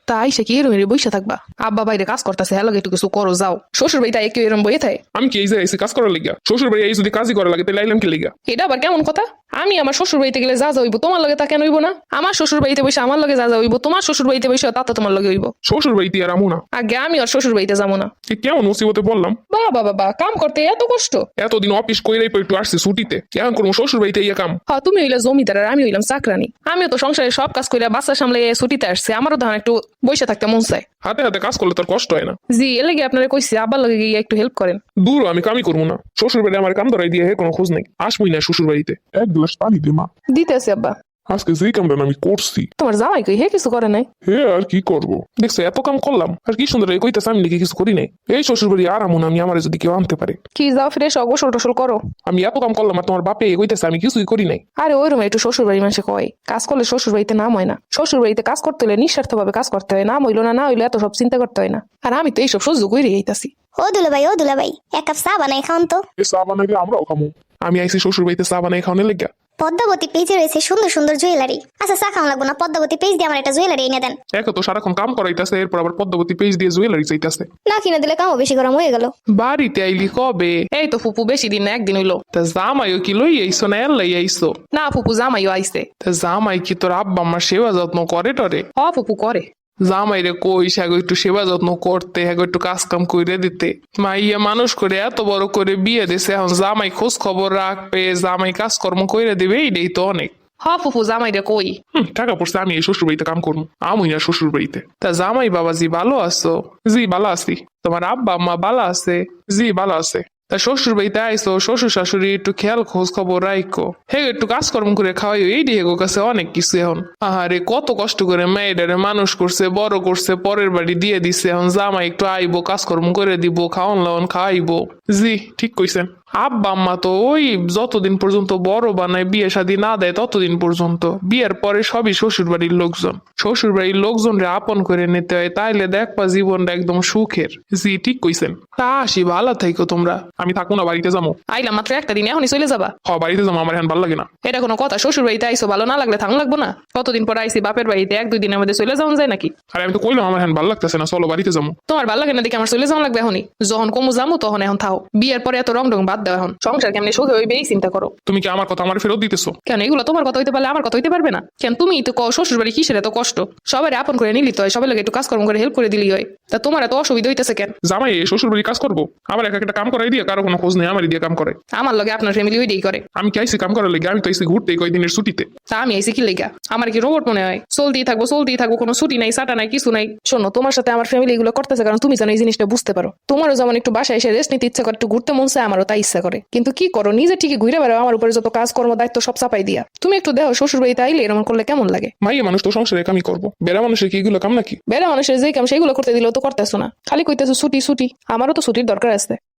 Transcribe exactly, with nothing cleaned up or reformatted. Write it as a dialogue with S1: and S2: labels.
S1: তাই সে কি এরম বসে থাকবা? আব্বা বাইরে কাজ করতেছে, হ্যাঁ লাগে একটু কিছু করো যাও। শ্বশুর বাড়িতে কেউ এরম বইয়ে থাকে?
S2: আমি কি এই যে এসে কাজ করার লাগিয়া? শ্বশুর বাড়ি এই যদি কাজই করা লাগে তাহলে আইলাম কি লিগা?
S1: এটা আবার কেমন কথা? আমি আমার শ্বশুর বাড়িতে গেলে যা যা হইব তোমার লগে তা কেন হইব না? আমার শ্বশুর বাড়িতে বসে আমার লগে যা যা হইব তোমার শ্বশুর বাড়িতে বসে তা তো তোমার লগে হইব।
S2: শ্বশুর বাড়িতে আর আমু না।
S1: আগে আমি আর শ্বশুর বাড়িতে যাবো না।
S2: এ কেমন মুসিবতে বললাম?
S1: বাবা বাবা কাম করতে এত কষ্ট?
S2: এতদিন অফিস কইরাই পর একটু আসছে ছুটিতে, এখন করবো শ্বশুর বাড়িতে ইয়ে কাম?
S1: হ্যাঁ তুমি হইলে জমিদার আর আমি হইলাম চাকরানি। আমিও তো সংসারে সব কাজ করে বাচ্চা সামলে ছুটিতে আসছে, আমারও ধরেন একটু বসে থাকতে মন চায়।
S2: হাতে হাতে কাজ করলে তোর কষ্ট হয় না?
S1: জি এর লাগে আপনারা কইছি আব্বার লগে গিয়ে একটু হেল্প করেন।
S2: দূর আমি কামই করবো না। শ্বশুর বাড়ি আমার কাম ধরাই দিয়ে কোনো খোঁজ নেই, আসবই না শ্বশুর বাড়িতে। এক গ্লাস পানি দে মা।
S1: দিতেছি আব্বা।
S2: আজকে যেই কামটা আমি করছি,
S1: তোমার জামাই কই হে কিছু করে নাই?
S2: হে আর কি করবো? দেখছো এত কাম করলাম আর কি সুন্দর কইতেছে আমি নাকি কিছু করি নাই। এই শ্বশুর বাড়ি আর আমন আমি আমার যদি কেউ আনতে পারে।
S1: কি যাও ফ্রেশ গোসল টোসল করো।
S2: আমি এত কাম করলাম আর তোমার বাপে কইতেছে আমি কিছুই করি নাই।
S1: আরে ওই রুমে একটু শ্বশুর বাড়ি মানুষে কয় কাজ করলে শ্বশুর বাড়িতে নাম হয় না। শ্বশুর বাড়িতে কাজ করতে হলে নিঃস্বার্থ ভাবে কাজ করতে হয়, নাম হইলো না না হইলো এত সব চিন্তা করতে হয় না। আর আমি তো এইসব সহ্য করে এইতাছি।
S3: ও দুলা ভাই ও দুলা ভাই এক কাপ চা বানাই খাওন তো।
S2: এ চা বানাইলে আমরাও খামো। আমি আইসি শ্বশুর বাড়িতে চা বানাই খাওয়ানোর লেগা।
S3: পদ্মাবতী পেজে রয়েছে সুন্দর সুন্দর জুয়েলারি। আচ্ছা চা খাওয়া লাগবো না, পদ্মাবতী পেজ দিয়ে আমার একটা জুয়েলারি এনে দেন।
S2: এক তো সারাক্ষণ কাম করাইতেছে, এরপর আবার পদ্মাবতী পেজ দিয়ে জুয়েলারি চাইতেছে।
S3: না কিনে দিলে কামও বেশি গরম হয়ে গেল।
S2: বাড়িতে আইলি কবে?
S1: এই তো ফুপু বেশি দিন না, একদিন হইলো।
S2: তা জামাইও কি লই আইসো না এলাই আইসো?
S1: না ফুপু জামাইও আইছে।
S2: তা জামাই কি তোর আব্বা আমার সেবা যত্ন করে টরে?
S1: হ ফুপু করে।
S2: জামাইরে কই হ্যাগো একটু সেবা যত্ন করতে, হ্যাগো একটু কাজ কাম করে দিতে। মাইয়া মানুষ করে এত বড় করে বিয়ে দিছে, এখন জামাই খোঁজ খবর রাখবে, জামাই কাজকর্ম করে দিবে, এইটাই তো অনেক।
S1: হ ফুপু জামাইরে কই।
S2: হুম, টাকা পড়ছে আমি এই শ্বশুর বাড়িতে কাম করবো, আমি না শ্বশুর বাড়িতে। তা জামাই বাবাজি ভালো আছো? জি ভালো আছি। তোমার আব্বা আম্মা ভালো আছে? জি ভালো আছে। তা শ্বশুর বাড়িতে আইসো, শ্বশুর শাশুড়ি একটু খেয়াল খোঁজ খবর রাখো, হে একটু কাজকর্ম করে খাওয়াইও, এই দিয়ে কাছে অনেক কিছু। এখন আহারে কত কষ্ট করে মেয়েটারে মানুষ করছে, বড় করছে, পরের বাড়ি দিয়ে দিছে, এখন জামাই একটু আইবো, কাজকর্ম করে দিব, খাওয়ান লাওয়ান খাওয়াইবো। জি ঠিক কইছেন। আব্বা আম্মা তো ওই যতদিন পর্যন্ত বড় বানায় বিয়ে শাদী না দেয় ততদিন পর্যন্ত, বিয়ের পরে সবই শ্বশুর বাড়ির লোকজন। শ্বশুর বাড়ির লোকজনরে আপন করে নিতে হয়, তাইলে দেখবা জীবনটা একদম সুখের। জি ঠিক কইছেন। তা আসি, ভালো থাইকো তোমরা। আমি থাকবো না, বাড়িতে যাবো।
S1: আইলাম মাত্র একটা দিন, এখনই চলে যাবা?
S2: হ বাড়িতে যাবো, আমার এখন ভালো লাগে না।
S1: এটা কোনো কথা? শ্বশুর বাড়িতে আইসো, ভালো না লাগলে থাকুন লাগবো না? কতদিন পর আইসি বাপের বাড়িতে, এক দুই দিনের মধ্যে চলে যাওয়া যায় নাকি?
S2: আরে আমি তো কইলাম আমার এখন ভালো লাগতেছে না, চলো বাড়িতে যাবো।
S1: তোমার ভালো লাগে না দেখে আমার চলে যাওয়া লাগবে এখনই? যখন কমু যাবো তখন এখন থাও, বিয়ের পরে এত রং রং বাদ দাও, এখন সংসার কেমনি সুখে হইবে এই চিন্তা করো।
S2: তুমি কি আমার কথা আমার ফেরত দিতেছো?
S1: কেন এগুলো তোমার কথা হইতে পারলে আমার কথা হইতে পারবে না? কেন তুমি তো কও শ্বশুর বাড়ি কিসের এত কষ্ট, সবাই আপন করে নিলি তো হয়, সবাই লাগে একটু কাজকর্ম করে হেল্প করে দিলি হয়, তা তোমার এত অসুবিধা হইতেছে কেন?
S2: জামাই শ্বশুর বাড়ি কাজ করবো, আবার এক একটা কাম করাই দিয়ে কারো কোনো খোঁজ নেই, আমারই দিয়ে কাম করে।
S1: আমার লগে আপনার ফ্যামিলি ওইটাই করে।
S2: আমি কি আইসি কাম করার লেগে? আমি তো আইসি ঘুরতে কয়দিনের ছুটিতে।
S1: তা আমি আইসি কি লেগা? আমার কি রোবট মনে হয়? চলতেই থাকবো চলতেই থাকবো, কোনো ছুটি নাই সাটা নাই কিছু নাই। শোনো তোমার সাথে আমার ফ্যামিলি এগুলো করতেছে কারণ তুমি জানো এই জিনিসটা বুঝতে পারো। তোমারও যেমন একটু বাসায় এসে রেস্ট নিতে ইচ্ছা করে, একটু ঘুরতে মন চায়, আমারও তাই ইচ্ছা করে, কিন্তু কি করো নিজে ঠিকই ঘুরে বেড়াও, আমার উপরে যত কাজ কর্ম দায়িত্ব সব চাপাই দিয়া। তুমি একটু দেখো শ্বশুর বাড়িতে আইলে এরকম করলে কেমন লাগে?
S2: মাইয়া মানুষ তো সংসারে কামই করবো, বেড়া মানুষের কি এগুলো কাম নাকি?
S1: বেড়া মানুষের যে কাম সেগুলো করতে দিলেও তো করতেছো না, খালি কইতেছো ছুটি ছুটি। আমারও তো ছুটির দরকার আছে।